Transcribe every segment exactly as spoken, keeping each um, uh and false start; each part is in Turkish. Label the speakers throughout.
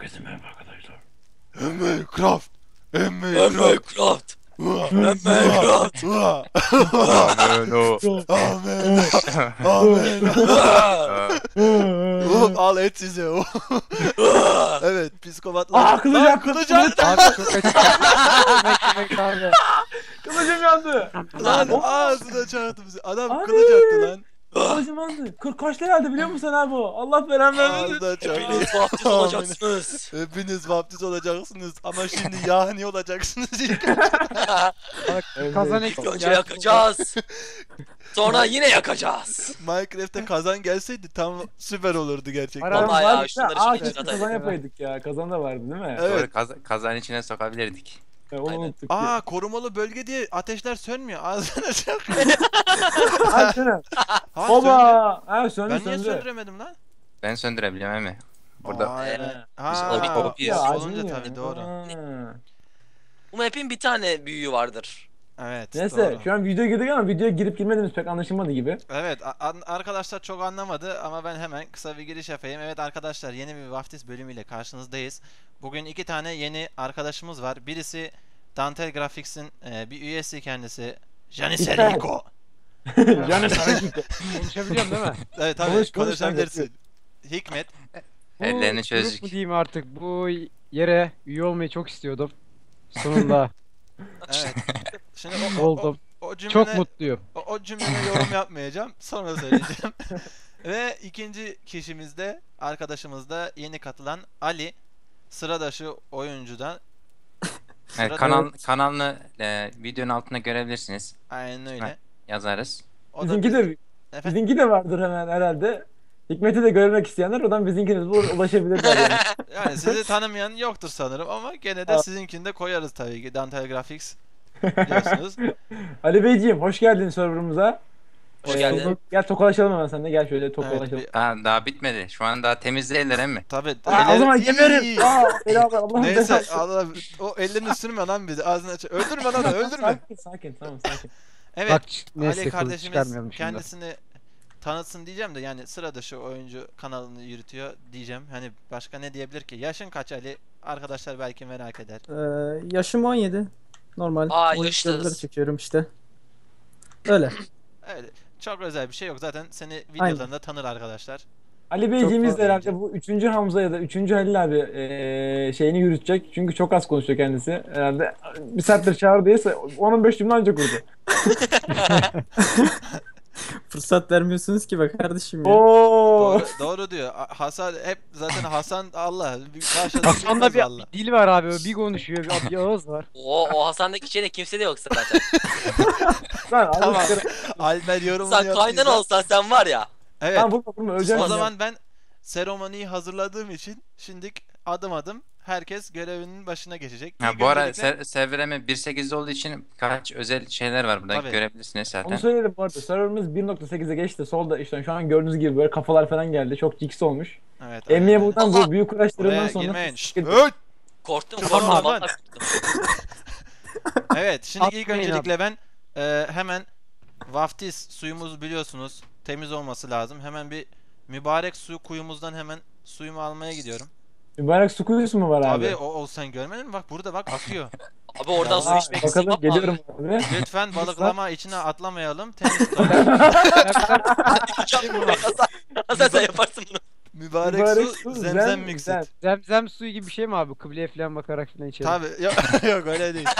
Speaker 1: Herkese merhaba arkadaşlar.
Speaker 2: Minecraft.
Speaker 3: Minecraft. Minecraft.
Speaker 1: Amen o.
Speaker 2: Amen. Amen. Oğlum al et size o. Evet psikopatlar.
Speaker 4: Aa kılıç
Speaker 2: Lan,
Speaker 4: yaktı.
Speaker 2: kılıç yaktı.
Speaker 5: Abi çok acı. Beklemek abi.
Speaker 4: Kılıcım yandı.
Speaker 2: Lan
Speaker 4: Lan
Speaker 2: ağzına çarptı bizi. Adam
Speaker 4: Abi.
Speaker 2: kılıç attı lan.
Speaker 4: kılıcım yandı. Kırk kaç liraydı biliyor musun abi o? Allah belanı vermesin.
Speaker 2: Ağzına çarptı.
Speaker 3: Hepiniz vaftiz olacaksınız.
Speaker 2: Hepiniz vaftiz olacaksınız ama şimdi yani olacaksınız ilk.
Speaker 5: Bak kazan eksik.
Speaker 3: Önce yakacağız. Sonra yine yakacağız.
Speaker 2: Minecraft'te kazan gelseydi tam süper olurdu gerçekten.
Speaker 5: Ara-
Speaker 3: Vallahi ya
Speaker 4: Var
Speaker 3: şunları
Speaker 4: Aa
Speaker 3: şimdi
Speaker 4: keşke
Speaker 3: atayım.
Speaker 4: kazan yapaydık ya. Kazan da vardı değil mi?
Speaker 2: Evet.
Speaker 1: Doğru kaz kazanın içine sokabilirdik.
Speaker 4: Ya, onu
Speaker 3: Aynen.
Speaker 4: unuttuk.
Speaker 2: Aa korumalı bölge diye ateşler sönmüyor. Ağzına çak.
Speaker 4: Ha söyle.
Speaker 2: Ha, söndü.
Speaker 4: Baba. Ha söndü
Speaker 2: Ben niye
Speaker 4: söndü.
Speaker 2: söndüremedim lan?
Speaker 1: Ben söndürebiliyorum emi. Burada
Speaker 2: Aa, evet.
Speaker 3: Biz
Speaker 2: Ha,
Speaker 3: obi-
Speaker 2: o-
Speaker 3: obiyiz.
Speaker 2: o-
Speaker 4: Ya,
Speaker 2: olunca
Speaker 4: acımıyor.
Speaker 2: tabii doğru.
Speaker 4: Ha.
Speaker 3: Bu map'in bir tane büyüğü vardır.
Speaker 2: Evet
Speaker 4: Neyse
Speaker 2: doğru.
Speaker 4: şu an videoya girdik ama videoya girip girmediğimiz pek anlaşılmadı gibi.
Speaker 2: Evet a- an- arkadaşlar çok anlamadı ama ben hemen kısa bir giriş yapayım. Evet arkadaşlar yeni bir vaftiz bölümüyle karşınızdayız. Bugün iki tane yeni arkadaşımız var. Birisi Dantel Graphics'in e, bir üyesi kendisi. Janis
Speaker 4: İşte.
Speaker 2: Rico.
Speaker 4: Yani sana gitti.
Speaker 5: Konuşabiliyorum değil mi?
Speaker 2: Evet tabii
Speaker 4: Konuş, konuş,
Speaker 2: konuşabilirsin. Hikmet.
Speaker 5: Bu
Speaker 1: Ellerini
Speaker 5: grup
Speaker 1: çözecek.
Speaker 5: mu diyeyim artık, bu yere üye olmayı çok istiyordum. Sonunda
Speaker 2: Evet. Şimdi o, o, o,
Speaker 5: oldum.
Speaker 2: o cümle
Speaker 5: Çok mutluyum.
Speaker 2: O, o cümleme yorum yapmayacağım. Sonra söyleyeceğim. Ve ikinci kişimiz de arkadaşımız da yeni katılan Ali. Sıradışı oyuncudan.
Speaker 1: Evet,
Speaker 2: Sırada-
Speaker 1: kanal kanalını e, videonun altına görebilirsiniz.
Speaker 2: Aynen öyle.
Speaker 1: Yazarız.
Speaker 2: O da
Speaker 4: Bizimki de
Speaker 2: Efendim?
Speaker 4: bizimki de vardır hemen herhalde. Hikmet'i de görmek isteyenler oradan bizimkine bulur ulaşabilirler yani.
Speaker 2: Yani sizi tanımayan yoktur sanırım ama gene de
Speaker 4: Evet.
Speaker 2: sizinkini de koyarız tabii ki. Dantel Graphics biliyorsunuz.
Speaker 4: Ali Beyciğim hoş geldin serverımıza.
Speaker 3: Hoş
Speaker 4: Ee,
Speaker 3: geldin.
Speaker 4: Gel tokalaşalım hemen seninle gel şöyle
Speaker 2: Evet,
Speaker 4: tokalaşalım.
Speaker 2: bir-
Speaker 1: Ha, daha bitmedi. Şu an daha temizleyirler emmi.
Speaker 2: tabii.
Speaker 4: Aa, o
Speaker 2: eller-
Speaker 4: zaman
Speaker 2: İyi.
Speaker 4: geberim. Aa, beraber Allah'ım
Speaker 2: Neyse
Speaker 4: belası.
Speaker 2: Allah, o ellerini sürme lan bizi ağzını aç. Öldürme lan öldürme.
Speaker 4: Sakin sakin tamam sakin.
Speaker 2: Evet.
Speaker 5: Bak neyse,
Speaker 2: Ali
Speaker 5: kılıç
Speaker 2: kardeşimiz
Speaker 5: çıkarmayalım şimdi.
Speaker 2: kendisini tanıtsın diyeceğim de yani sıradışı oyuncu kanalını yürütüyor diyeceğim. Hani başka ne diyebilir ki? Yaşın kaç Ali? Arkadaşlar belki merak eder.
Speaker 6: Ee, yaşım on yedi. Normal.
Speaker 3: Aa,
Speaker 6: oyun
Speaker 3: yaşlısın.
Speaker 6: videoları çekiyorum işte. Öyle.
Speaker 2: Evet. Çok özel bir şey yok. Zaten seni videolarında tanır arkadaşlar.
Speaker 4: Ali Beyciğimiz
Speaker 2: fazla
Speaker 4: de herhalde bu üçüncü Hamza ya da üçüncü Halil abi eee, şeyini yürütecek. Çünkü çok az konuşuyor kendisi. Herhalde bir saattir çağırdıysa on on beş cümle önce kurdu.
Speaker 6: Fırsat vermiyorsunuz ki bak kardeşim ya.
Speaker 4: Oo.
Speaker 2: Doğru, doğru diyor. A- Hasan hep zaten Hasan Allah. Başladı
Speaker 5: Hasan'da
Speaker 2: bilmez
Speaker 5: bir,
Speaker 2: Allah.
Speaker 5: bir dil var abi, bir konuşuyor, bir, bir ağız var.
Speaker 3: O, o Hasan'daki şeyde kimse de yok zaten.
Speaker 4: Lan abi
Speaker 2: Tamam.
Speaker 4: tamam.
Speaker 2: Alper yorumunu
Speaker 3: Sen kaynan
Speaker 2: yaptıysa-
Speaker 3: olsan sen var ya.
Speaker 2: Evet.
Speaker 4: Tamam vurma vurma öleceğim.
Speaker 2: O
Speaker 4: şimdi.
Speaker 2: zaman ben seremoniyi hazırladığım için şimdi adım adım herkes görevinin başına geçecek.
Speaker 1: Ha,
Speaker 2: İlk
Speaker 1: bu ara
Speaker 2: öncelikle-
Speaker 1: ser server emi bir nokta sekizde olduğu için birkaç özel şeyler var burada
Speaker 2: Tabii.
Speaker 1: görebilirsiniz zaten.
Speaker 4: Onu söyleyelim bu arada. Serverımız bir nokta sekize geçti. Solda işte şu an gördüğünüz gibi böyle kafalar falan geldi. Çok jiks olmuş.
Speaker 2: Evet.
Speaker 4: Emniye
Speaker 2: aynen.
Speaker 4: buradan
Speaker 3: Allah!
Speaker 4: bu büyük uğraşlarından
Speaker 2: Oraya
Speaker 4: sonra
Speaker 2: girmeyin. Şşt,
Speaker 4: sıkıntı-
Speaker 2: öt!
Speaker 3: Korktum
Speaker 2: Tamam,
Speaker 3: korktum.
Speaker 2: lan.
Speaker 3: Vallahi korktum.
Speaker 2: Evet, şimdi ilk
Speaker 5: Atmayın
Speaker 2: öncelikle ben e, hemen vaftiz suyumuzu biliyorsunuz temiz olması lazım. Hemen bir mübarek su kuyumuzdan hemen suyumu almaya gidiyorum.
Speaker 4: Mübarek su kuyusu mu var abi?
Speaker 2: Abi o, o sen görmedin mi? Bak burada bak akıyor.
Speaker 3: Abi oradan su
Speaker 4: Aa,
Speaker 3: içmek
Speaker 4: bakalım
Speaker 3: istemem
Speaker 4: geliyorum
Speaker 3: abi.
Speaker 4: abi.
Speaker 2: Lütfen balıklama içine atlamayalım. Temiz tutalım.
Speaker 3: Hasan, Hasan sen yaparsın bunu.
Speaker 2: Mübarek,
Speaker 4: Mübarek
Speaker 2: su,
Speaker 4: su,
Speaker 2: zemzem
Speaker 4: zem-
Speaker 2: mixit.
Speaker 4: zem.
Speaker 5: Zemzem suyu gibi bir şey mi abi? Kıbleye falan bakarak falan içelim.
Speaker 2: Tabi yok, yok öyle değil.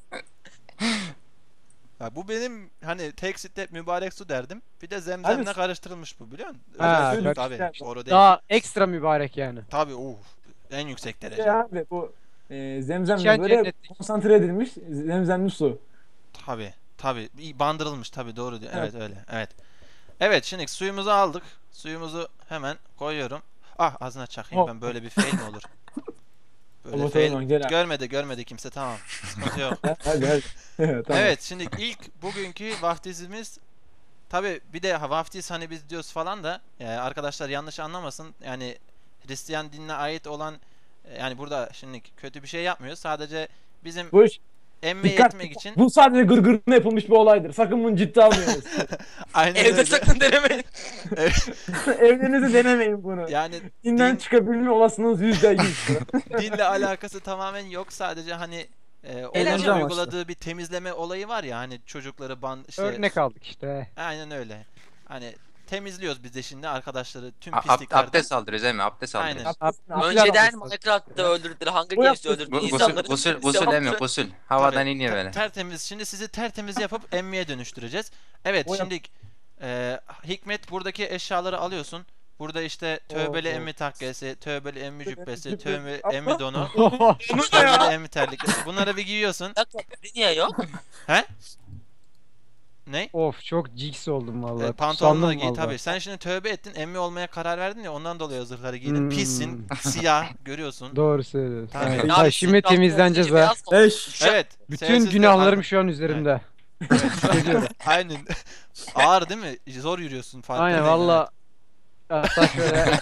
Speaker 2: Ya bu benim hani tek step mübarek su derdim. Bir de zemzemle
Speaker 4: Abi-
Speaker 2: karıştırılmış bu biliyor musun?
Speaker 5: Ha,
Speaker 2: Özel su
Speaker 4: karıştı.
Speaker 2: tabi. Doğru değil.
Speaker 5: Daha ekstra mübarek yani.
Speaker 2: Tabi uh, en yüksek derece.
Speaker 4: Ya abi bu e, zemzemle
Speaker 5: İçen
Speaker 4: böyle
Speaker 5: cennetlik.
Speaker 4: konsantre edilmiş zemzemli su.
Speaker 2: Tabi tabi bandırılmış tabi doğru diyor. Evet.
Speaker 4: Evet.
Speaker 2: öyle. Evet. Evet şimdi suyumuzu aldık. Suyumuzu hemen koyuyorum. Ah ağzına çakayım
Speaker 4: Hop.
Speaker 2: ben böyle bir fail mi olur? Böyle
Speaker 4: Tamam,
Speaker 2: fail.
Speaker 4: tamam, gel abi.
Speaker 2: Görmedi görmedi kimse tamam. Sıkıntı yok.
Speaker 4: Hadi hadi. Tamam.
Speaker 2: Evet şimdi ilk bugünkü vaftizimiz tabi bir de ha, vaftiz hani biz diyoruz falan da e, arkadaşlar yanlış anlamasın yani Hristiyan dinine ait olan e, yani burada şimdi kötü bir şey yapmıyoruz sadece bizim
Speaker 4: Bu iş
Speaker 2: emmeye
Speaker 4: Dikkat!
Speaker 2: etmek için
Speaker 4: Bu sadece gırgırına yapılmış bir olaydır. Sakın bunu ciddi almayınız.
Speaker 2: aynen
Speaker 3: Evde
Speaker 2: öyle.
Speaker 3: sakın denemeyin.
Speaker 4: Evlerinizde denemeyin bunu.
Speaker 2: Yani
Speaker 4: Dinden
Speaker 2: din,
Speaker 4: çıkabilme olasılığınız yüzde yüz.
Speaker 2: dinle alakası tamamen yok. Sadece hani e, onun
Speaker 6: Eğlence amaçlı.
Speaker 2: uyguladığı bir temizleme olayı var ya hani çocukları ban işte
Speaker 5: Örnek aldık işte.
Speaker 2: aynen öyle. Hani temizliyoruz biz de şimdi arkadaşları tüm
Speaker 1: A- ab-
Speaker 2: pisliklerden.
Speaker 1: abdest aldırıyoruz değil mi? Abdest
Speaker 2: Aynen.
Speaker 1: aldırıyoruz.
Speaker 3: Önceden Minecraft'ta öldürdüler, Hunger
Speaker 4: Bu
Speaker 3: Games'te
Speaker 4: yaptı-
Speaker 3: öldürdüler.
Speaker 1: Gu-
Speaker 3: İnsanları
Speaker 1: Gusül, gusül,
Speaker 3: sevaptı.
Speaker 1: gusül emi, gusül. Havadan
Speaker 2: Tabii,
Speaker 1: iniyor
Speaker 2: ter-
Speaker 1: böyle.
Speaker 2: Tertemiz. Şimdi sizi tertemiz yapıp emmeye dönüştüreceğiz. Evet
Speaker 4: O yap-
Speaker 2: şimdi e, Hikmet buradaki eşyaları alıyorsun. Burada işte tövbeli
Speaker 4: Oo.
Speaker 2: emmi takkesi, tövbeli emmi cübbesi,
Speaker 4: Cübbe.
Speaker 2: tövbeli
Speaker 4: Abla.
Speaker 2: emmi donu,
Speaker 3: Bu ne
Speaker 2: tövbeli
Speaker 3: ya?
Speaker 2: emmi terlikleri. Bunları bir giyiyorsun.
Speaker 3: Bir dakika, biri niye yok?
Speaker 2: He? Ne?
Speaker 5: Of çok jigs oldum
Speaker 2: E,
Speaker 5: vallahi.
Speaker 2: pantolonunu da
Speaker 5: Sandım
Speaker 2: giy
Speaker 5: vallahi.
Speaker 2: tabii. Sen şimdi tövbe ettin, emmi olmaya karar verdin ya ondan dolayı o zırhları giydin.
Speaker 5: Hmm.
Speaker 2: Pissin, siyah görüyorsun.
Speaker 5: Doğru söylüyorsun.
Speaker 2: Tabii.
Speaker 5: Evet.
Speaker 3: Ne
Speaker 5: Ha,
Speaker 3: abi,
Speaker 5: şimdi
Speaker 3: Minecraft'ta
Speaker 5: temizleneceğiz
Speaker 3: olunca
Speaker 5: ha.
Speaker 3: beyaz
Speaker 6: Eş.
Speaker 2: Evet.
Speaker 5: Bütün
Speaker 2: sevimsiz de-
Speaker 5: günahlarım şu an üzerimde.
Speaker 2: Evet, şu an- Aynen. Ağır değil mi? Zor yürüyorsun farkındayım.
Speaker 5: Aynen valla. Hatta şöyle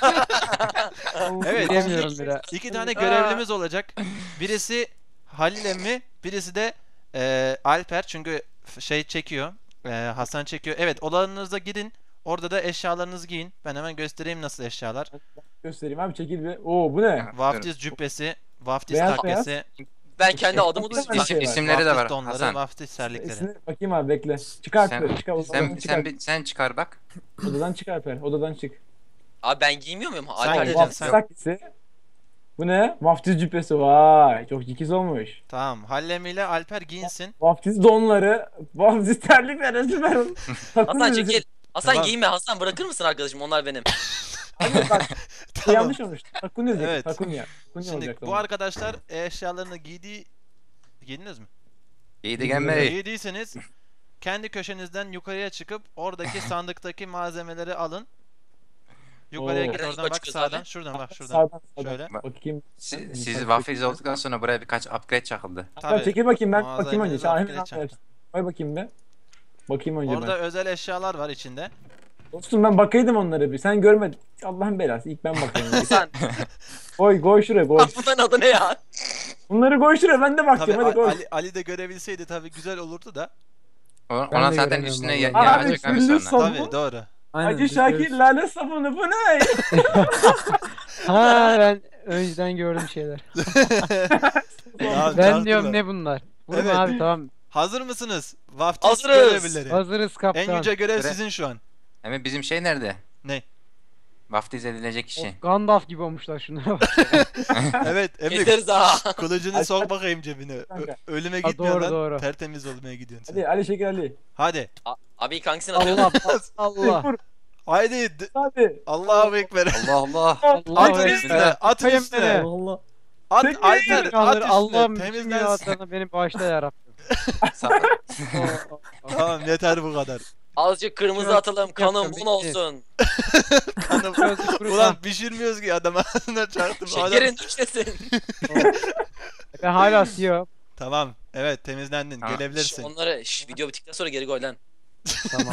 Speaker 2: Evet.
Speaker 5: diyemiyorum bile.
Speaker 2: İki tane görevlimiz olacak. Birisi Halil emmi, birisi de e, Alper çünkü f- şey çekiyor. e, Hasan çekiyor. Evet, odalarınıza gidin. Orada da eşyalarınızı giyin. Ben hemen göstereyim nasıl eşyalar.
Speaker 4: Göstereyim abi çekil bir. Oo bu ne?
Speaker 2: Vaftiz cübbesi, vaftiz
Speaker 4: Beyaz
Speaker 2: takkesi,
Speaker 3: Ben kendi adımı
Speaker 4: Eşyalarında
Speaker 3: düzgün
Speaker 4: bir şey var.
Speaker 1: İsimleri de var
Speaker 2: vaftiz donları,
Speaker 1: Hasan.
Speaker 2: vaftiz terlikleri.
Speaker 4: Esine- bakayım abi bekle. Çıkar
Speaker 1: Sen,
Speaker 4: per. Çıkar odadan
Speaker 1: sen,
Speaker 4: çıkar.
Speaker 1: sen, bir- sen çıkar bak.
Speaker 4: Odadan çıkar per. Odadan çık.
Speaker 3: Abi ben giymiyor muyum?
Speaker 2: Sen
Speaker 3: Alper
Speaker 2: giyeceksin,
Speaker 3: dedi.
Speaker 4: Vaftiz
Speaker 2: sen.
Speaker 4: takkesi. Bu ne? Vaftiz cübbesi. Vay çok cikiz olmuş.
Speaker 2: Tamam. Halil emmi ile Alper giyinsin.
Speaker 4: Vaftiz donları. Vaftiz terlikleri süper. Takım
Speaker 3: Hasan
Speaker 4: elbise-
Speaker 3: çekil. Hasan
Speaker 2: Tamam.
Speaker 3: giyme. Hasan bırakır mısın arkadaşım? Onlar benim.
Speaker 4: Hayır bak
Speaker 2: Tamam.
Speaker 4: yanlış olmuş. Takunya diyecek.
Speaker 2: Evet.
Speaker 4: Takunya. Takunya
Speaker 2: Şimdi
Speaker 4: olacak.
Speaker 2: bu arkadaşlar eşyalarını giydiği giydiniz mi?
Speaker 1: İyi de gelme.
Speaker 2: Giydiyseniz kendi köşenizden yukarıya çıkıp oradaki sandıktaki malzemeleri alın. Yukarıya
Speaker 4: Oo.
Speaker 2: git
Speaker 3: Nereden
Speaker 2: oradan
Speaker 3: yukarı
Speaker 2: bak
Speaker 3: çıkıyoruz
Speaker 2: sağdan
Speaker 3: abi?
Speaker 2: şuradan bak şuradan.
Speaker 4: Sağdan sağdan.
Speaker 2: Şöyle.
Speaker 4: Bakayım.
Speaker 1: Siz, siz vaftiz olduktan sonra buraya birkaç upgrade çakıldı.
Speaker 4: Tabii. Çekil bakayım ben
Speaker 2: Mağazaya
Speaker 4: bakayım önce.
Speaker 2: biraz
Speaker 4: Sen hemen
Speaker 2: upgrade
Speaker 4: anlarsın.
Speaker 2: çaktım.
Speaker 4: Koy bakayım be. Bakayım önce
Speaker 2: Orada
Speaker 4: ben.
Speaker 2: özel eşyalar var içinde.
Speaker 4: Dostum ben bakaydım onlara bir. Sen görmedin. Allah'ın belası. İlk ben bakayım.
Speaker 3: Hasan.
Speaker 4: koy koy şuraya koy.
Speaker 3: Bunların adı ne ya?
Speaker 4: Bunları koy şuraya ben de
Speaker 2: Tabii
Speaker 4: bakacağım hadi
Speaker 2: Ali,
Speaker 4: koy.
Speaker 2: Ali, Ali de görebilseydi tabii güzel olurdu da.
Speaker 1: O-
Speaker 5: Ben
Speaker 1: Ona
Speaker 5: de
Speaker 1: zaten
Speaker 5: göremiyorum
Speaker 1: üstüne
Speaker 5: vallahi.
Speaker 1: ya,
Speaker 4: Abi,
Speaker 1: yağacak abi
Speaker 4: sürülür
Speaker 1: sonra.
Speaker 4: son-
Speaker 2: Tabii doğru.
Speaker 6: Aynen,
Speaker 4: Hacı
Speaker 6: biz
Speaker 4: Şakir
Speaker 6: görüyoruz.
Speaker 4: lale sabunu bu ne?
Speaker 5: Ha ben önceden gördüm şeyler.
Speaker 2: Ya,
Speaker 5: Ben
Speaker 2: çarptılar.
Speaker 5: diyorum ne bunlar? Vurma
Speaker 2: Evet.
Speaker 5: abi tamam.
Speaker 2: Hazır mısınız? Vaftiz
Speaker 3: Hazırız.
Speaker 2: görevlileri.
Speaker 5: Hazırız kaptan.
Speaker 2: En yüce görev
Speaker 1: Göre-
Speaker 2: sizin şu an.
Speaker 1: Ama bizim şey nerede?
Speaker 2: Ne?
Speaker 1: Vaftiz edilecek kişi.
Speaker 5: Of, Gandalf gibi olmuşlar şunlara bak.
Speaker 2: Evet Emre
Speaker 3: Keseriz ha.
Speaker 2: kılıcını sok bakayım cebine. Ö-
Speaker 4: Kanka.
Speaker 2: ölüme
Speaker 5: Ha,
Speaker 2: gitmiyor
Speaker 5: doğru,
Speaker 2: lan.
Speaker 5: doğru.
Speaker 2: Tertemiz olmaya gidiyorsun sen.
Speaker 4: Hadi Ali Şekil Ali.
Speaker 2: Hadi.
Speaker 3: A- Abi ilk hangisini atıyorsun?
Speaker 5: Allah Allah.
Speaker 4: Vur
Speaker 2: Haydi. d-
Speaker 4: hadi.
Speaker 2: Allahu ekber.
Speaker 1: Allah Allah.
Speaker 5: Allah
Speaker 2: Atın
Speaker 5: Allah.
Speaker 2: üstüne. Atın
Speaker 5: Kayın
Speaker 2: üstüne.
Speaker 5: beni.
Speaker 6: Allah.
Speaker 2: At
Speaker 4: Çekil.
Speaker 2: Alper. At
Speaker 5: Allah'ım
Speaker 2: üstüne.
Speaker 5: Allah'ım bütün
Speaker 2: Temizlensin.
Speaker 5: günahlarına beni bağışla yarabbim.
Speaker 1: Sa-
Speaker 2: Tamam yeter bu kadar.
Speaker 3: Azıcık kırmızı
Speaker 5: Yok,
Speaker 3: atalım. Kanım
Speaker 5: yapacağım,
Speaker 3: bun
Speaker 5: bitti.
Speaker 3: olsun.
Speaker 2: Kanım.
Speaker 5: Gözlük kuru-
Speaker 2: Ulan pişirmiyoruz ki adam ağzına çarptım. Adam...
Speaker 3: Şekerin düşmesin.
Speaker 5: Ben hala siyah.
Speaker 2: Tamam. Evet temizlendin.
Speaker 1: Tamam.
Speaker 3: Şş,
Speaker 2: Gelebilirsin.
Speaker 3: onları şş, video bittikten sonra geri koy lan.
Speaker 5: Tamam.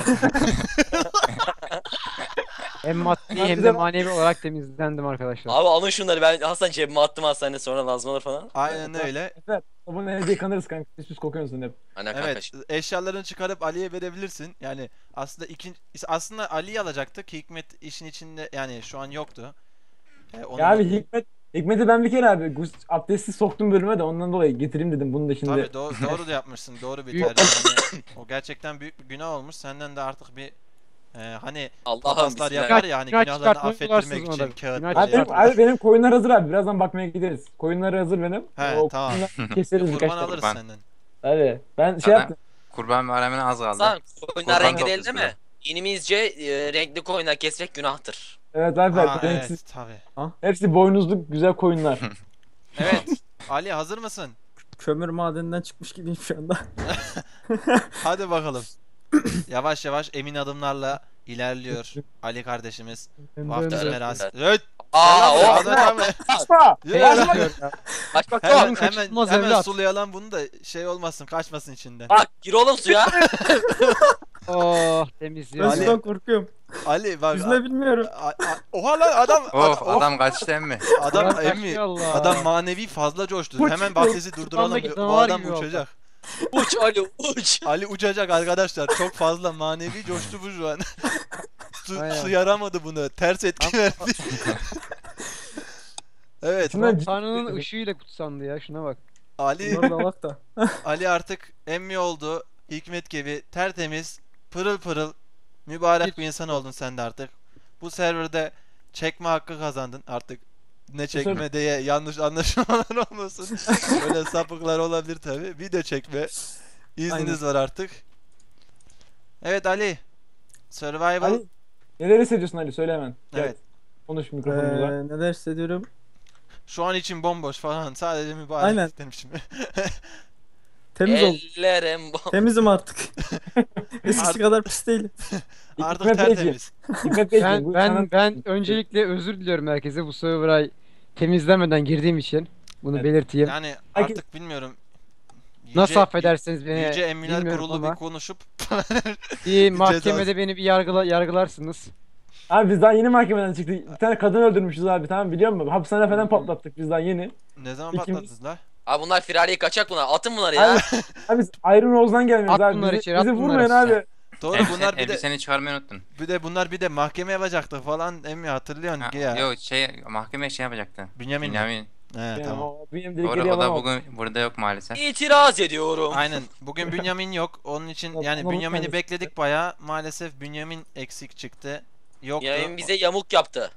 Speaker 5: Hem maddi
Speaker 4: Ben
Speaker 5: hem
Speaker 4: bize
Speaker 5: de
Speaker 4: bak-
Speaker 5: manevi olarak temizlendim arkadaşlar.
Speaker 3: Abi alın şunları, ben Hasan cebime attım hastaneye, sonra lazım olur falan.
Speaker 2: Aynen öyle.
Speaker 4: Efe sabunu evde yıkanırız kanka. Pis pis kokuyorsun hep.
Speaker 3: Aynen kanka.
Speaker 2: Evet, eşyalarını çıkarıp Ali'ye verebilirsin. Yani aslında ikinci aslında Ali'yi alacaktık. Hikmet işin içinde yani şu an yoktu. Ee, onu
Speaker 4: Ya abi Hikmet Hikmet'i ben bir kere abi gus, abdesti soktum bölüme de ondan dolayı getireyim dedim bunu da şimdi.
Speaker 2: Tabii doğru, doğru da yapmışsın. Doğru bir
Speaker 5: Büyük-
Speaker 2: tercih. Yani o gerçekten büyük bir günah olmuş. Senden de artık bir e, hani
Speaker 3: Allah'ım
Speaker 2: papazlar
Speaker 3: bismillah.
Speaker 2: yapar ya hani
Speaker 5: Günah
Speaker 2: günahlarını
Speaker 5: çıkartmayı
Speaker 2: affettirmek
Speaker 5: bularsınız
Speaker 2: için
Speaker 5: ona da.
Speaker 2: kağıt
Speaker 5: Günah
Speaker 2: böyle
Speaker 4: Abi benim,
Speaker 2: yapar.
Speaker 4: abi benim koyunlar hazır abi. Birazdan bakmaya gideriz. Koyunları hazır benim.
Speaker 2: He,
Speaker 4: o
Speaker 2: tamam.
Speaker 4: koyunları keseriz birkaç
Speaker 2: Kurban
Speaker 4: tane.
Speaker 2: alırız
Speaker 1: Kurban.
Speaker 2: senden.
Speaker 4: Hadi. Ben şey
Speaker 1: Zaten
Speaker 4: yaptım.
Speaker 1: Kurban bayramına az kaldı.
Speaker 3: Hasan koyunlar
Speaker 1: Kurban
Speaker 3: rengi değil
Speaker 1: toplusu
Speaker 3: değil mi? Dinimizce e, renkli koyunlar kesmek günahtır.
Speaker 4: Evet abi.
Speaker 2: Aa,
Speaker 4: renksiz.
Speaker 2: evet tabii.
Speaker 4: Hepsi boynuzlu güzel koyunlar.
Speaker 2: Evet. Ali hazır mısın?
Speaker 6: Kömür madeninden çıkmış gibiyim şu anda.
Speaker 2: Hadi bakalım. Yavaş yavaş emin adımlarla ilerliyor Ali kardeşimiz. Vaftiz
Speaker 5: Dön, dön.
Speaker 2: merası. Evet.
Speaker 3: Aa
Speaker 2: Selam
Speaker 3: o.
Speaker 2: Ahmet abi.
Speaker 4: Kaçma!
Speaker 2: Yürü
Speaker 5: Helal
Speaker 2: lan.
Speaker 5: diyor ya.
Speaker 3: Kaç bak
Speaker 2: Hemen
Speaker 3: dur.
Speaker 2: hemen,
Speaker 5: kaçırılmaz
Speaker 2: hemen
Speaker 5: evlat.
Speaker 2: sulayalım bunu da şey olmasın kaçmasın içinden.
Speaker 3: Bak gir oğlum suya.
Speaker 5: Oh
Speaker 6: Ben
Speaker 5: temizliyor.
Speaker 2: Ali-
Speaker 6: sudan korkuyorum.
Speaker 2: Ali bak.
Speaker 6: Yüzme bilmiyorum.
Speaker 2: a- a- Oha lan adam
Speaker 1: Of
Speaker 2: adam,
Speaker 1: adam kaçtı emmi.
Speaker 2: adam
Speaker 5: Ulan
Speaker 2: emmi.
Speaker 5: Allah.
Speaker 2: Adam manevi fazla coştu.
Speaker 4: Koç
Speaker 2: Hemen
Speaker 4: gibi.
Speaker 2: vaftizi durduralım.
Speaker 5: Kafamdaki
Speaker 2: O
Speaker 5: canavar
Speaker 2: adam
Speaker 5: gibi oldu.
Speaker 2: uçacak.
Speaker 3: Uç Ali uç.
Speaker 2: Ali uçacak arkadaşlar. Çok fazla manevi coştu bu şu an. su,
Speaker 5: Aynen.
Speaker 2: su yaramadı bunu. Ters etki verdi. Evet.
Speaker 4: Şundan
Speaker 5: Tanrı'nın ışığıyla kutsandı ya, şuna bak.
Speaker 2: Ali
Speaker 6: Bunlar da bak da.
Speaker 2: Ali artık emmi oldu. Hikmet gibi tertemiz, pırıl pırıl, mübarek bir insan oldun sen de artık. Bu serverde çekme hakkı kazandın artık. Ne çekme diye yanlış anlaşılmalar olmasın. Böyle sapıklar olabilir tabi. Video çekme izniniz var artık. Evet Ali. Survival.
Speaker 4: Ali, neler hissediyorsun Ali? Söyle hemen. Gel,
Speaker 2: Evet.
Speaker 4: konuş
Speaker 6: Ee,
Speaker 4: mikrofonumuza.
Speaker 6: neler hissediyorum?
Speaker 2: Şu an için bomboş falan. Sadece mübarek
Speaker 6: Aynen.
Speaker 2: demişim.
Speaker 6: Temiz ol.
Speaker 3: Ellerim bu.
Speaker 6: Temizim artık. Eskisi
Speaker 2: Artık-
Speaker 6: kadar pis değilim.
Speaker 2: Artık
Speaker 4: Hikmet Beyciğim.
Speaker 2: tertemiz.
Speaker 4: Hikmet Beyciğim, bu
Speaker 5: Ben
Speaker 4: sana-
Speaker 5: ben ben öncelikle özür diliyorum herkese bu server'a temizlemeden girdiğim için. Bunu
Speaker 4: Evet.
Speaker 5: belirteyim.
Speaker 2: Yani
Speaker 4: Herkes-
Speaker 2: artık bilmiyorum. Yüce-
Speaker 5: Nasıl affedersiniz beni
Speaker 2: Yüce Emmiler
Speaker 5: bilmiyorum
Speaker 2: Kurulu
Speaker 5: ama
Speaker 2: bir konuşup
Speaker 5: bir
Speaker 2: cezası.
Speaker 5: mahkemede beni bir yargıla, yargılarsınız.
Speaker 4: Abi biz daha yeni mahkemeden çıktık. Bir tane kadın öldürmüşüz abi, tamam, biliyor musun? Hapishane falan patlattık biz daha yeni.
Speaker 2: ne zaman
Speaker 4: İkimiz-
Speaker 2: patladınız la?
Speaker 3: Abi bunlar firariye kaçak bunlar. Atın bunları ya.
Speaker 4: Abi, abi biz Iron Rose'dan gelmiyoruz
Speaker 5: At
Speaker 4: abi.
Speaker 5: bunları
Speaker 4: Bizi,
Speaker 5: içeri, at
Speaker 4: bizi
Speaker 5: bunları
Speaker 4: vurmayın
Speaker 5: içeri.
Speaker 4: abi.
Speaker 2: Doğru
Speaker 1: Elbise-
Speaker 2: bunlar bir de
Speaker 1: elbiseni çıkarmayı unuttun.
Speaker 2: bir de bunlar bir de mahkeme yapacaktık falan emmi hatırlıyorsun
Speaker 1: Ha,
Speaker 2: ki ya.
Speaker 1: Yok şey mahkemeye şey yapacaktı.
Speaker 2: Bünyamin mi?
Speaker 1: Bünyamin.
Speaker 2: He
Speaker 4: Yani
Speaker 2: tamam.
Speaker 4: o benim
Speaker 1: Doğru
Speaker 4: dedikleri
Speaker 1: o da
Speaker 4: yalan.
Speaker 1: bugün burada yok maalesef.
Speaker 3: İtiraz ediyorum.
Speaker 2: Aynen. Bugün Bünyamin yok. Onun için
Speaker 4: Yok,
Speaker 2: yani
Speaker 4: onu
Speaker 2: Bünyamin'i
Speaker 4: unutmayın.
Speaker 2: bekledik bayağı. Maalesef Bünyamin eksik çıktı. Yoktu.
Speaker 3: Yayın bize yamuk yaptı.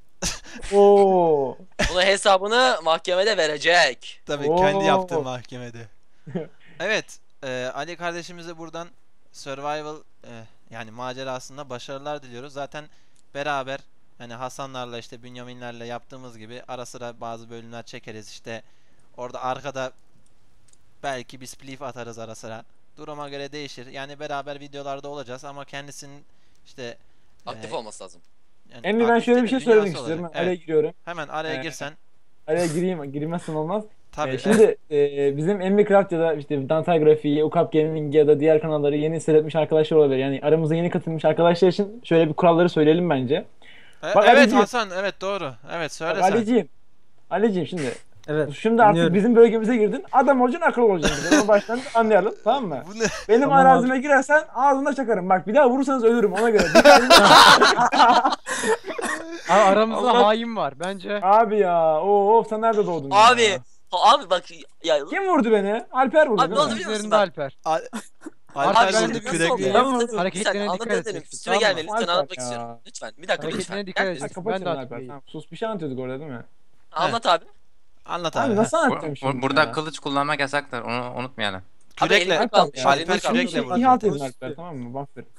Speaker 4: Oo.
Speaker 3: Bunun hesabını mahkemede verecek.
Speaker 2: Tabii
Speaker 4: Oo.
Speaker 2: kendi yaptığı mahkemede. Evet. e, Ali kardeşimize buradan survival e, yani macerasında başarılar diliyoruz. Zaten beraber hani Hasanlarla işte Bünyaminlerle yaptığımız gibi ara sıra bazı bölümler çekeriz. İşte orada arkada belki bir spliff atarız ara sıra. Duruma göre değişir. Yani beraber videolarda olacağız ama kendisinin işte
Speaker 3: Aktif
Speaker 2: e,
Speaker 3: olması lazım.
Speaker 2: yani
Speaker 4: Emmi ben
Speaker 2: aktif
Speaker 4: şöyle
Speaker 2: değil
Speaker 4: bir
Speaker 2: de
Speaker 4: şey söylemek
Speaker 2: dünyası
Speaker 4: istiyorum.
Speaker 2: olacak.
Speaker 4: Ben araya
Speaker 2: Evet.
Speaker 4: giriyorum.
Speaker 2: Hemen araya
Speaker 4: Ee,
Speaker 2: girsen.
Speaker 4: Araya gireyim. Girmezsen olmaz.
Speaker 2: Tabii.
Speaker 4: Ee, şimdi e, bizim Emmi Craft ya da işte Dantay Grafiği, Ukap Gaming ya da diğer kanalları yeni seyretmiş arkadaşlar olabilir. Yani aramıza yeni katılmış arkadaşlar için şöyle bir kuralları söyleyelim bence.
Speaker 2: E,
Speaker 4: Bak
Speaker 2: evet
Speaker 4: Ali'ciğim.
Speaker 2: Hasan, evet doğru. Evet söyle
Speaker 4: Bak
Speaker 2: sen.
Speaker 4: Ali'ciğim. Ali'ciğim şimdi.
Speaker 6: Evet.
Speaker 4: Şimdi artık
Speaker 6: dinliyorum.
Speaker 4: bizim bölgemize girdin. Adam olacaksın, akıllı olacaksın. Onu baştan anlayalım, tamam mı?
Speaker 2: Bu ne?
Speaker 4: Benim
Speaker 6: Tamam
Speaker 4: arazime girersen ağzına çakarım. Bak bir daha vurursanız ölürüm ona göre.
Speaker 5: Abi aramızda
Speaker 2: Allah-
Speaker 5: hain var bence.
Speaker 4: Abi ya. Oo sen nerede doğdun
Speaker 3: Abi.
Speaker 4: ya?
Speaker 3: Ha, abi bak ya.
Speaker 4: Kim vurdu beni? Alper vurdu
Speaker 3: Abi ne
Speaker 4: değil
Speaker 3: oldu
Speaker 4: mi?
Speaker 3: biliyor musun
Speaker 5: Üzerinde
Speaker 3: bak?
Speaker 5: Alper.
Speaker 2: Al
Speaker 3: Abi
Speaker 2: Alper
Speaker 5: ben
Speaker 3: şimdi
Speaker 5: de
Speaker 2: vurdu
Speaker 3: nasıl
Speaker 2: kürekle.
Speaker 3: oldu?
Speaker 4: Ben
Speaker 3: Ben
Speaker 4: vurdu.
Speaker 3: anlatabilirim.
Speaker 5: Hareketlerine
Speaker 3: Bir saniye,
Speaker 5: dikkat
Speaker 3: anlatabilirim.
Speaker 5: edeceksin,
Speaker 3: Üstüme
Speaker 5: tamam mı?
Speaker 3: gelme lütfen,
Speaker 4: Alper
Speaker 3: anlatmak
Speaker 4: ya.
Speaker 3: istiyorum. Lütfen bir dakika lütfen.
Speaker 5: Hareketlerine dikkat
Speaker 3: Gel,
Speaker 5: edeceksin.
Speaker 4: Kapat
Speaker 5: Ben de
Speaker 4: şunu
Speaker 5: artık
Speaker 4: Alper.
Speaker 5: değilim.
Speaker 4: Tamam. Sus bir şey anlatıyorduk orada değil mi?
Speaker 3: Anlat abi.
Speaker 2: Anlat
Speaker 4: Abi
Speaker 2: abi.
Speaker 4: nasıl
Speaker 1: Bu-
Speaker 4: anlatacağım
Speaker 1: bu-
Speaker 4: şimdi
Speaker 1: burada
Speaker 4: ya?
Speaker 1: kılıç kullanmak yasaktır. Onu unutmayalım.
Speaker 3: Abi
Speaker 2: Kürekle.
Speaker 3: elinde kalmış.
Speaker 4: Alper ya.
Speaker 3: elinde
Speaker 2: Alper
Speaker 3: kalmış.
Speaker 2: kürekle vurdu.
Speaker 4: İhat edin
Speaker 6: Konuş
Speaker 4: Alper,
Speaker 6: diyor.
Speaker 4: tamam mı? Bak ver.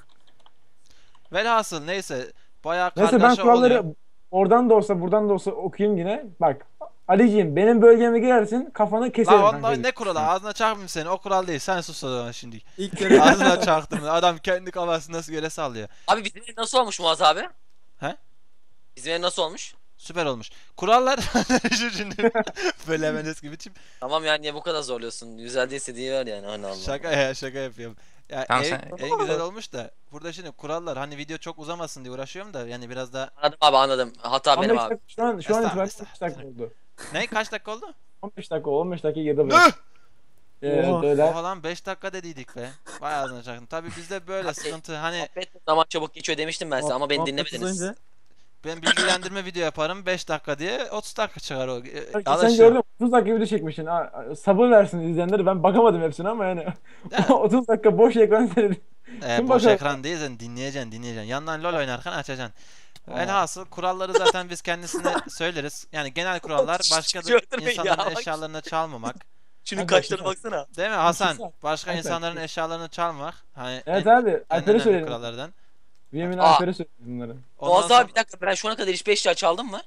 Speaker 2: Velhasıl neyse. Bayağı
Speaker 4: Neyse ben
Speaker 2: kargaşa
Speaker 4: kuralları
Speaker 2: oluyor.
Speaker 4: oradan da olsa buradan da olsa okuyayım yine. Bak Aliciğim benim bölgeme girersin kafanı keserim.
Speaker 2: La
Speaker 4: kanka.
Speaker 2: ondan ne kuralı? Ağzına çarpmayayım seni. O kural değil. Sen sus o zaman şimdi.
Speaker 6: İlk kere
Speaker 2: Ağzına çaktım. Adam kendi kafasını nasıl göre sallıyor.
Speaker 3: Abi bizim ev nasıl olmuş Muaz abi?
Speaker 2: He?
Speaker 3: Bizim ev nasıl olmuş?
Speaker 2: Süper olmuş. Kurallar şu şimdi böyle hemen eski biçim.
Speaker 3: Tamam yani niye bu kadar zorluyorsun? Güzel değilse diye ver yani. Hani Allah.
Speaker 2: Şaka ya şaka yapıyorum. Ya
Speaker 1: Tamam,
Speaker 2: ev,
Speaker 1: sen-
Speaker 2: en güzel olmuş da burada şimdi kurallar hani video çok uzamasın diye uğraşıyorum da yani biraz da
Speaker 3: Anladım abi anladım. Hata benim
Speaker 4: on beş
Speaker 3: abi.
Speaker 4: dakika, şu an şu an
Speaker 2: Estağfurullah,
Speaker 4: itibaren on beş dakika oldu.
Speaker 2: ne kaç dakika oldu?
Speaker 4: on beş dakika on beş dakika geride
Speaker 2: Ne?
Speaker 4: bırak. Evet
Speaker 6: Oha.
Speaker 4: öyle.
Speaker 2: Oha lan beş dakika dediydik be. Vay ağzına çaktım. Tabii bizde böyle sıkıntı hani
Speaker 3: Muhabbet zaman çabuk geçiyor demiştim ben size ama beni
Speaker 6: Muhabbet
Speaker 3: dinlemediniz.
Speaker 6: uzayınca-
Speaker 2: ben bilgilendirme video yaparım beş dakika diye otuz dakika çıkar o. E,
Speaker 4: Sen
Speaker 2: alışıyor.
Speaker 4: gördün otuz dakika video çekmişsin. Ha, sabır versin izleyenleri. Ben bakamadım hepsine ama yani
Speaker 2: Ya.
Speaker 4: otuz dakika boş ekran seyredin.
Speaker 2: E,
Speaker 4: Kim
Speaker 2: boş
Speaker 4: bakar?
Speaker 2: ekran değil sen dinleyeceksin dinleyeceksin. Yandan LoL oynarken açacaksın. Velhasıl kuralları zaten biz kendisine söyleriz. Yani genel kurallar başka da
Speaker 3: Öldürmeyin ya,
Speaker 2: insanların
Speaker 3: bak.
Speaker 2: eşyalarını çalmamak.
Speaker 3: Şunun
Speaker 4: Hadi
Speaker 3: kaşlarına
Speaker 4: bakayım.
Speaker 3: baksana.
Speaker 2: Değil mi Hasan?
Speaker 4: Güzel.
Speaker 2: Başka
Speaker 4: Evet.
Speaker 2: insanların eşyalarını çalmak. Hani
Speaker 4: Evet
Speaker 2: en,
Speaker 4: abi
Speaker 2: en
Speaker 4: Alper'e
Speaker 2: önemli
Speaker 4: söyledim.
Speaker 2: kurallardan.
Speaker 4: Yemin
Speaker 3: Aa.
Speaker 4: Alper'e söyledim bunları.
Speaker 2: Ondan
Speaker 3: Muaz
Speaker 2: sonra-
Speaker 3: abi bir dakika ben şu ana kadar hiç beş eşya çaldım mı?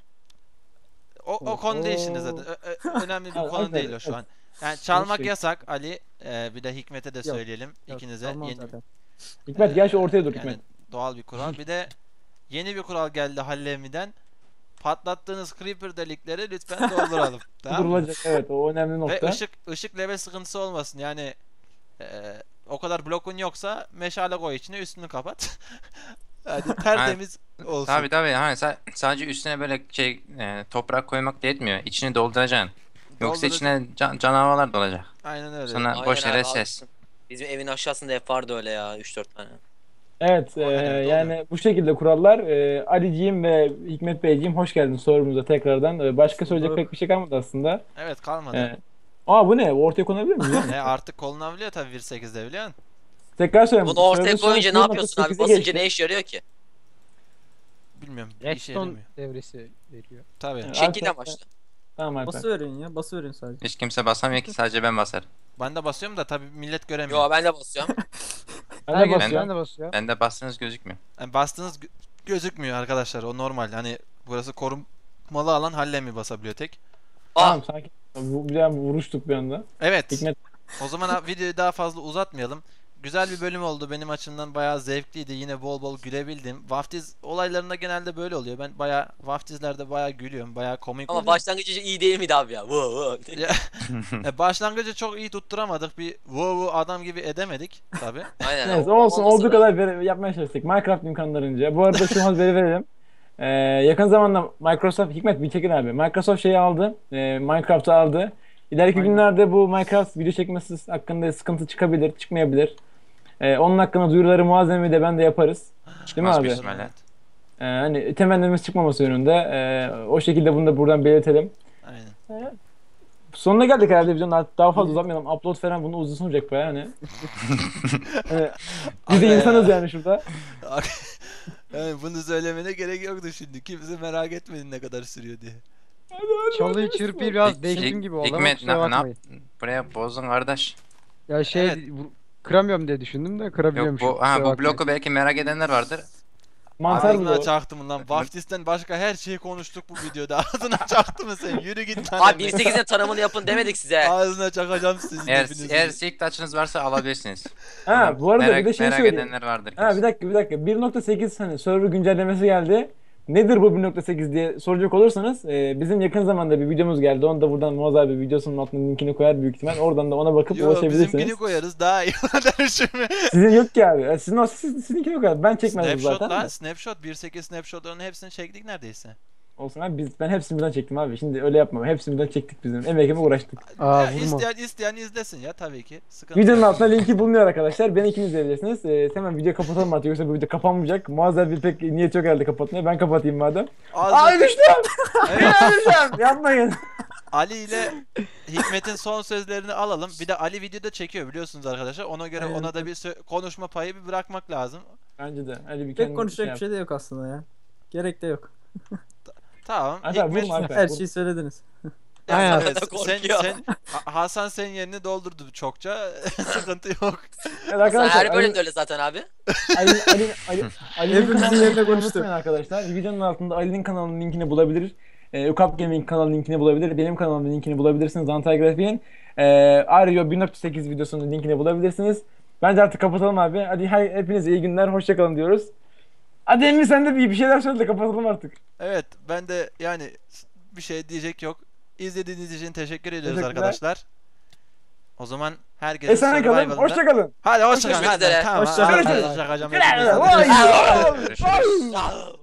Speaker 2: O, o konu değil şimdi
Speaker 4: Oo.
Speaker 2: zaten. Ö- ö- önemli bir
Speaker 4: Evet,
Speaker 2: konu
Speaker 4: Alper,
Speaker 2: değil o şu
Speaker 4: evet.
Speaker 2: an. Yani çalmak
Speaker 4: şey-
Speaker 2: yasak Ali. Ee, bir de Hikmet'e de
Speaker 6: Yok,
Speaker 2: söyleyelim
Speaker 6: Yok,
Speaker 2: ikinize.
Speaker 6: çalmam
Speaker 2: Yeni,
Speaker 6: zaten.
Speaker 4: Hikmet gel şu ortaya dur
Speaker 2: yani
Speaker 4: Hikmet.
Speaker 2: doğal bir kural. Bir de yeni bir kural geldi Hallemi'den. Patlattığınız creeper delikleri lütfen dolduralım. Tamam mı?
Speaker 4: Durulacak evet o önemli
Speaker 2: Ve
Speaker 4: nokta.
Speaker 2: ışık ışık level sıkıntısı olmasın. Yani e, o kadar blokun yoksa meşale koy içine üstünü kapat. Hadi tertemiz olsun.
Speaker 1: Tabii tabii. Ha, sa- sadece üstüne böyle şey e, toprak koymak da yetmiyor. İçini dolduracaksın. Yoksa
Speaker 2: Doldur-
Speaker 1: içine can- canavarlar dolacak.
Speaker 2: Aynen öyle.
Speaker 1: Sonra
Speaker 3: Aynen
Speaker 1: boş
Speaker 3: abi,
Speaker 1: yere
Speaker 3: haklısın.
Speaker 1: ses.
Speaker 3: Bizim evin aşağısında hep vardı öyle ya üç dört tane.
Speaker 4: Evet,
Speaker 2: O
Speaker 4: e,
Speaker 2: herhalde
Speaker 4: yani bu şekilde kurallar. E, Aliciğim ve Hikmet Beyciğim hoş geldiniz sorumuza tekrardan. E, başka söyleyecek
Speaker 6: bulduk.
Speaker 4: pek bir şey kalmadı aslında.
Speaker 2: Evet kalmadı.
Speaker 4: E, aa bu ne? Ortaya konabilir miyiz? ya?
Speaker 2: E artık kolunabiliyor tabii bir sekizde biliyorsun.
Speaker 4: Tekrar söyleyeyim.
Speaker 3: Bunu ortaya
Speaker 4: Server şu an
Speaker 3: koyunca ne yapıyorsun abi?
Speaker 4: bir nokta sekize
Speaker 3: Basınca
Speaker 4: geçti.
Speaker 3: ne işe yarıyor ki?
Speaker 2: Bilmiyorum. Bir işe
Speaker 5: Redstone
Speaker 2: yaramıyor.
Speaker 5: devresi veriyor.
Speaker 2: Tabii.
Speaker 4: Evet.
Speaker 3: Şekil
Speaker 4: Arkadaşlar-
Speaker 3: amaçlı.
Speaker 4: Tamam Alper.
Speaker 6: Bası verin ya. Bası verin sadece.
Speaker 1: Hiç kimse basamıyor ki, sadece ben basarım.
Speaker 2: Ben de basıyorum da tabii millet göremiyor.
Speaker 3: Yo ben de basıyorum.
Speaker 4: Ben de
Speaker 5: Herkes
Speaker 4: basıyorum.
Speaker 5: ben de basıyor.
Speaker 1: Bende bastığınız gözükmüyor.
Speaker 2: Yani bastığınız gö- gözükmüyor arkadaşlar. O normal. Hani burası korunmalı alan, Hallemi basabiliyor tek.
Speaker 3: Ah
Speaker 4: Tamam sakin. Bu, bir daha vuruştuk bir anda.
Speaker 2: Evet.
Speaker 4: Hikmet
Speaker 2: O zaman ha- videoyu daha fazla uzatmayalım. Güzel bir bölüm oldu. Benim açımdan bayağı zevkliydi. Yine bol bol gülebildim. Vaftiz olaylarında genelde böyle oluyor. Ben bayağı vaftizlerde bayağı gülüyorum. Bayağı komik
Speaker 3: ama
Speaker 2: oluyor.
Speaker 3: başlangıcı iyi değil miydi abi ya? Wow, wow.
Speaker 2: Ya, e, başlangıcı çok iyi tutturamadık. Bir wow wow adam gibi edemedik tabi.
Speaker 3: Aynen.
Speaker 4: neyse
Speaker 3: o-
Speaker 4: olsun
Speaker 3: olmasa
Speaker 4: olduğu
Speaker 3: da-
Speaker 4: kadar veri- yapmaya çalıştık. Minecraft imkanlarınca. Bu arada şu an veri verelim. Ee, yakın zamanda Microsoft, Hikmet bir çekin abi. Microsoft şeyi aldı. E, Minecraft'ı aldı. İleriki
Speaker 5: Aynen.
Speaker 4: günlerde bu Minecraft video çekmesi hakkında sıkıntı çıkabilir, çıkmayabilir. Ee, onun hakkında duyuruları muazzemi de ben de yaparız. Değil mi
Speaker 1: Çıkmaz
Speaker 4: abi?
Speaker 1: büyük ihtimalle.
Speaker 4: Ee, hani temennimiz çıkmaması yönünde. Ee, o şekilde bunu da buradan belirtelim.
Speaker 2: Aynen.
Speaker 4: Sonuna geldik herhalde videonun. Artık daha fazla uzatmayalım. Upload falan bunu uzun sürecek bayağı hani. Hani biz de
Speaker 2: Aga ya.
Speaker 4: insanız yani şurada.
Speaker 2: Yani bunu söylemene gerek yoktu şimdi. Kimse merak etmedi ne kadar sürüyor diye.
Speaker 5: Çalıyı çırpıyı biraz
Speaker 1: Hik-
Speaker 5: değiştim gibi oldu ama
Speaker 1: Hikmet
Speaker 5: kusura
Speaker 1: ne, ne
Speaker 5: bakmayın.
Speaker 1: yaptın? Buraya bozdun kardeş.
Speaker 5: Ya şey
Speaker 2: Evet.
Speaker 5: vur- kıramıyorum diye düşündüm de
Speaker 1: Yok
Speaker 5: kırabiliyormuşum.
Speaker 1: bu, ha,
Speaker 5: kusura
Speaker 1: bu
Speaker 5: bakmayın.
Speaker 1: bloku belki merak edenler vardır.
Speaker 4: Mantar
Speaker 2: Ağzına
Speaker 4: bu.
Speaker 2: çaktım lan. Vaftisten başka her şeyi konuştuk bu videoda. Ağzına çaktı mı sen? Yürü git lan.
Speaker 3: Abi
Speaker 2: evine.
Speaker 3: bir sekizin tanımını yapın demedik size.
Speaker 2: Ağzına çakacağım sizin
Speaker 1: Eğer,
Speaker 2: hepinizin.
Speaker 1: eğer silk taçınız varsa alabilirsiniz.
Speaker 4: Ha bu arada
Speaker 1: merak,
Speaker 4: bir de şey
Speaker 1: merak
Speaker 4: söyleyeyim.
Speaker 1: edenler vardır.
Speaker 4: Ha bir
Speaker 1: kesin.
Speaker 4: dakika bir dakika. bir nokta sekiz hani server güncellemesi geldi. Nedir bu bir nokta sekiz diye soracak olursanız e, bizim yakın zamanda bir videomuz geldi. Onu da buradan Muaz abi videosunun altına linkini koyar büyük ihtimal. Oradan da ona bakıp
Speaker 2: Yo
Speaker 4: ulaşabilirsiniz.
Speaker 2: bizimkini koyarız daha iyi. Derşimi.
Speaker 4: Sizin yok ki abi. E, Sizin o siz, sizinki yok abi. Ben çekmedim
Speaker 2: Snapshot
Speaker 4: zaten.
Speaker 2: lan.
Speaker 4: de.
Speaker 2: Snapshot. bir nokta sekiz snapshotların hepsini çektik neredeyse.
Speaker 4: Olsun abi biz ben hepsini birden çektim abi. Şimdi öyle yapmam. Hepsini birden çektik bizim. Emeğime uğraştık.
Speaker 5: Aa,
Speaker 2: Ya,
Speaker 5: vurma.
Speaker 2: isteyen, isteyen izlesin ya tabii ki. Sıkıntı
Speaker 4: Videonun
Speaker 2: yok.
Speaker 4: altında linki bulunuyor arkadaşlar. Beni ikiniz izleyebilirsiniz. Ee, hemen video kapatalım artık yoksa bu video kapanmayacak. Muaz abi pek niyet yok herhalde kapatmaya. Ben kapatayım madem.
Speaker 2: Ağzına-
Speaker 4: Ay düştüm!
Speaker 2: Evet,
Speaker 4: Düştüm! Yapmayın.
Speaker 2: Ali ile Hikmet'in son sözlerini alalım. Bir de Ali videoda çekiyor biliyorsunuz arkadaşlar. Ona göre
Speaker 6: Aynen.
Speaker 2: ona da bir sö- konuşma payı bir bırakmak lazım.
Speaker 4: Bence de. Hadi bir
Speaker 6: Pek
Speaker 4: kendin
Speaker 6: konuşacak
Speaker 4: yap.
Speaker 6: bir şey de yok aslında ya. Gerek de yok.
Speaker 2: Tamam.
Speaker 4: Alper,
Speaker 2: Hikmet,
Speaker 4: vurma Alper.
Speaker 6: Her
Speaker 4: vur.
Speaker 6: şeyi söylediniz.
Speaker 2: Ya,
Speaker 5: Aynen.
Speaker 2: sen,
Speaker 3: Korkuyor.
Speaker 2: sen, sen- Ha- Hasan senin yerini doldurdu çokça. Sıkıntı yok.
Speaker 4: Evet arkadaşlar.
Speaker 3: Her bölümde
Speaker 4: Ali,
Speaker 3: öyle zaten abi.
Speaker 4: Ali, Ali, Ali, Ali'nin
Speaker 6: Hepimizin
Speaker 4: kanalını
Speaker 6: yerine
Speaker 4: unutmayın
Speaker 6: konuştuk.
Speaker 4: arkadaşlar. Videonun altında Ali'nin kanalının linkini bulabilir. Ee, Ukap Gaming kanalının linkini bulabilir. Benim kanalımın linkini bulabilirsiniz. Dantel Grafik'in. Ee, Ario bir nokta sekiz videosunun linkini bulabilirsiniz. Bence artık kapatalım abi. Hadi hay, hepinize iyi günler. Hoşçakalın diyoruz. Hadi Emre sen de bir, bir şeyler söyle de kapatalım artık.
Speaker 2: Evet ben de yani bir şey diyecek yok. İzlediğiniz için teşekkür ediyoruz
Speaker 4: Teşekkürler.
Speaker 2: arkadaşlar. O zaman herkese
Speaker 4: Esene kalın.
Speaker 2: Survival'ında...
Speaker 4: Hoşçakalın.
Speaker 2: Hadi hoşçakalın.
Speaker 3: Görüşmek
Speaker 2: Hadi,
Speaker 3: üzere.
Speaker 2: Tamam.
Speaker 6: Hoşça kalın.
Speaker 2: Hadi, hoşça kalın.
Speaker 4: Vay!
Speaker 1: Görüşürüz.
Speaker 3: Ah!